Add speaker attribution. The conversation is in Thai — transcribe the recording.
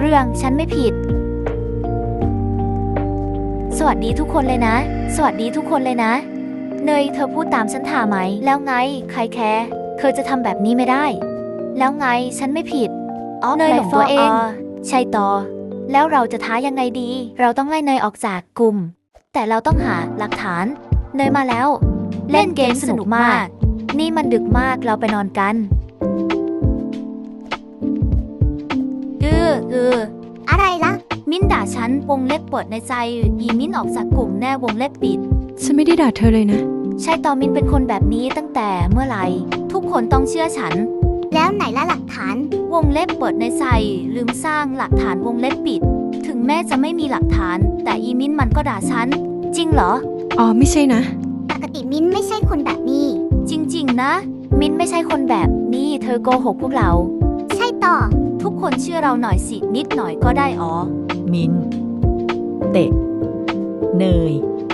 Speaker 1: รื่องฉันไม่ผิดสวัสดีทุกคนเลยนะสวัสดีทุกคนเลยนะเนยเธอพูดตามฉันท่าไหมแล้วไงใครแคร์เธอจะทำแบบนี้ไม่ได้แล้วไงฉันไม่ผิดเนยหลงตัวเองใช่ต่อแล้วเราจะท้ายังไงดีเราต้องไล่เนยออกจากกลุ่มแต่เราต้องหาหลักฐานเนยมาแล้วเล่นเกมสนุกมากนี่มันดึกมากเราไปนอนกัน
Speaker 2: อะไรล่ะ
Speaker 1: มิ้นด่าฉันวงเล็บเปิดในใจอีมิ้นออกจากกลุ่มแน่วงเล็บปิด
Speaker 3: ฉันไม่ได้ด่าเธอเลยนะ
Speaker 1: ใช่ตอมินเป็นคนแบบนี้ตั้งแต่เมื่อไหร่ทุกคนต้องเชื่อฉัน
Speaker 2: แล้วไหนล่ะหลักฐาน
Speaker 1: วงเล็บเปิดในใจลืมสร้างหลักฐานวงเล็บปิดถึงแม้จะไม่มีหลักฐานแต่อีมิ้นมันก็ด่าฉันจริงเหรอ
Speaker 3: อ๋อไม่ใช่นะ
Speaker 2: ปกติมิ้นไม่ใช่คนแบบนี้
Speaker 1: จริงๆนะมิ้นไม่ใช่คนแบบนี้เธอโกหกพวกเรา
Speaker 2: ใช่ต่อ
Speaker 1: ทุกคนเชื่อเราหน่อยสินิดหน่อยก็ได้อ๋อ
Speaker 4: มิ้นเตะเนย